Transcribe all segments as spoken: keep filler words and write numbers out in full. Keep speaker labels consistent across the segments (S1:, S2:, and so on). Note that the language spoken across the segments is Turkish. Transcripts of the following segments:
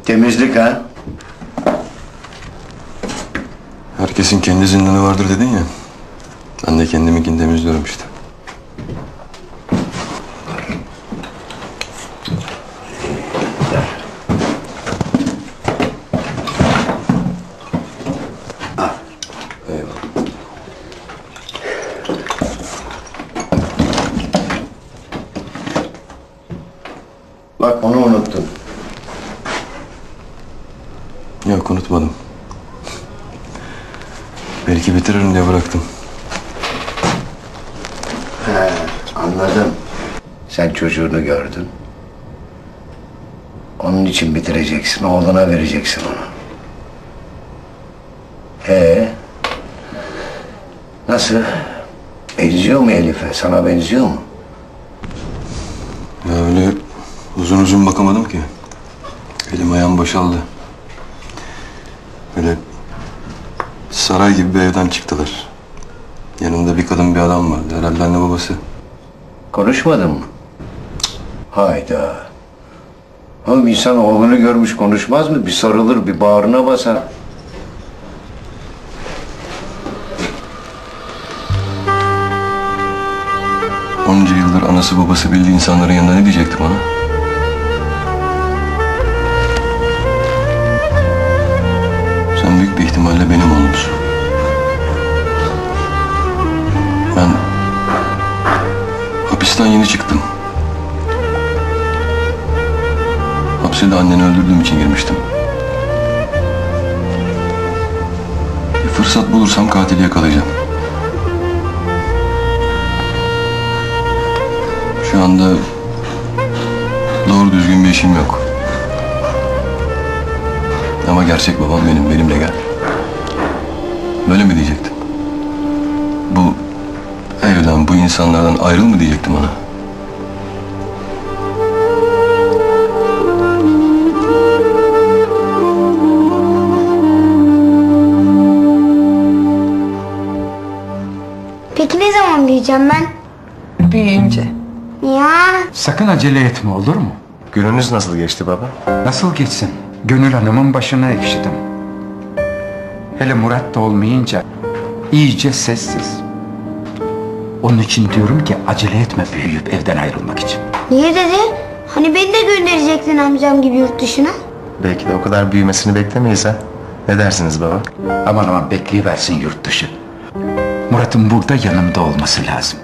S1: Temizlik ha?
S2: Herkesin kendi zindanı vardır dedin ya. Ben de kendiminkini temizliyorum işte.
S1: Al.
S2: Eyvallah.
S1: Bak onu unuttun.
S2: Yok, unutmadım. Belki bitiririm diye bıraktım.
S1: He, anladım. Sen çocuğunu gördün. Onun için bitireceksin, oğluna vereceksin onu. Ee, nasıl? Benziyor mu Elif'e? Sana benziyor mu?
S2: Ya öyle uzun uzun bakamadım ki. Elim ayağım boşaldı. Böyle saray gibi bir evden çıktılar. Yanında bir kadın bir adam vardı. Herhalde anne babası.
S1: Konuşmadın mı? Hayda. Oğlum insan oğlunu görmüş konuşmaz mı? Bir sarılır, bir bağrına basar.
S2: Onca yıldır anası babası bildiği insanların yanında ne diyecekti bana? Sen büyük bir ihtimalle benim oğlumsun. Ben hapisten yeni çıktım. Hapse de anneni öldürdüğüm için girmiştim. Bir fırsat bulursam katili yakalayacağım. Şu anda doğru düzgün bir işim yok. Ama gerçek babam benim, benimle gel. Böyle mi diyecektin? Bu evden, bu insanlardan ayrıl mı diyecektim ona?
S3: Peki ne zaman büyüyeceğim ben?
S4: Büyüyünce.
S3: Ya.
S5: Sakın acele etme, olur mu?
S6: Gününüz nasıl geçti baba?
S5: Nasıl geçsin? Gönül Hanım'ın başına ekşidim. Hele Murat da olmayınca iyice sessiz. Onun için diyorum ki acele etme büyüyüp evden ayrılmak için.
S3: Niye dedi? Hani beni de gönderecektin amcam gibi yurt dışına.
S6: Belki de o kadar büyümesini beklemeyiz ha. Ne dersiniz baba?
S5: Aman aman bekleyiversin yurt dışı. Murat'ın burada yanımda olması lazım.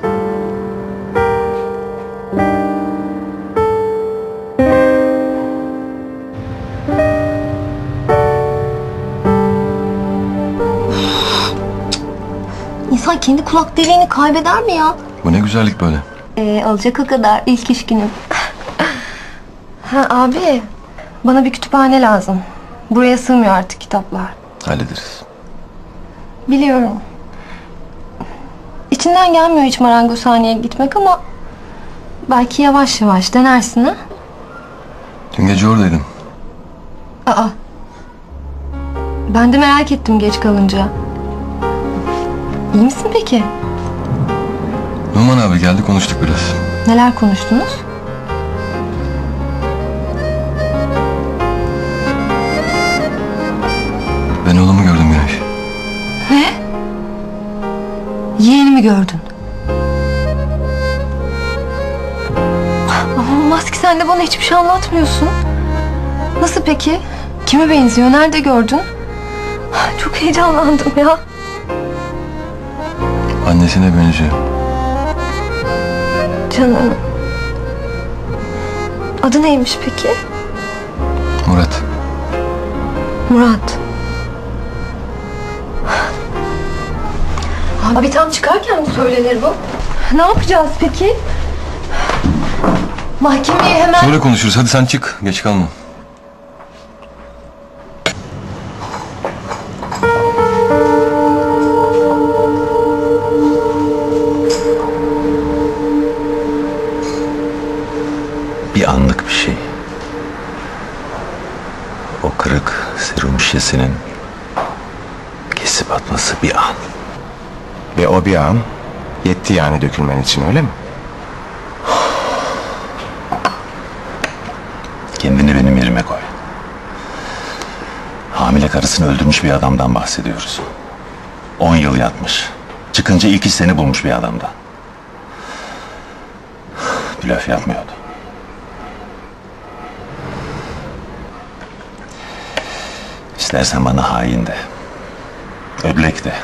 S7: İnsan kendi kulak deliğini kaybeder mi ya?
S2: Bu ne güzellik böyle.
S7: Ee, alacak o kadar ilk iş günüm. Ha abi, bana bir kütüphane lazım. Buraya sığmıyor artık kitaplar.
S2: Hallederiz.
S7: Biliyorum. İçinden gelmiyor hiç marangozhaneye gitmek ama belki yavaş yavaş denersin ha?
S2: Dün gece oradaydım.
S7: Aa. Ben de merak ettim geç kalınca. İyi misin peki?
S2: Numan abi geldi, konuştuk biraz.
S7: Neler konuştunuz?
S2: Ben oğlumu gördüm Güneş.
S7: Ne? Yeğenimi gördün. Ama Maski sen de bana hiçbir şey anlatmıyorsun. Nasıl peki? Kime benziyor? Nerede gördün? Çok heyecanlandım ya.
S2: Annesine benziyor.
S7: Canım. Adı neymiş peki?
S2: Murat.
S7: Murat. Abi tam çıkarken mi söylenir bu? Ne yapacağız peki? Mahkemeye hemen...
S2: Sonra konuşuruz. Hadi sen çık. Geç kalma.
S8: Bir anlık bir şey. O kırık serum şişesinin kesip atması bir an.
S6: Ve o bir an yetti yani dökülmen için, öyle mi?
S8: Kendini benim yerime koy. hamile karısını öldürmüş bir adamdan bahsediyoruz. On yıl yatmış. Çıkınca ilk iş seni bulmuş bir adamdan. Blöf yapmıyordu. İstersen bana hain de. Öblek de.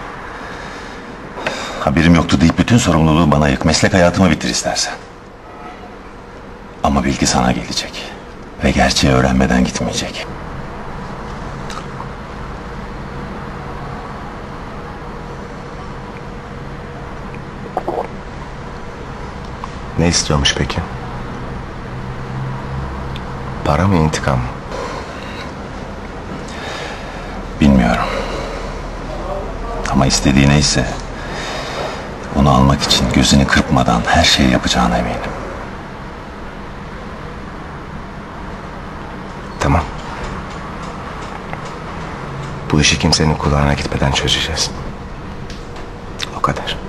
S8: Haberim yoktu deyip bütün sorumluluğu bana yık. Meslek hayatımı bitir istersen. Ama bilgi sana gelecek. Ve gerçeği öğrenmeden gitmeyecek.
S6: Ne istiyormuş peki? Para mı, intikam mı?
S8: Bilmiyorum. Ama istediği neyse onu almak için gözünü kırpmadan her şeyi yapacağına eminim.
S6: Tamam. Bu işi kimsenin kulağına gitmeden çözeceğiz. O kadar.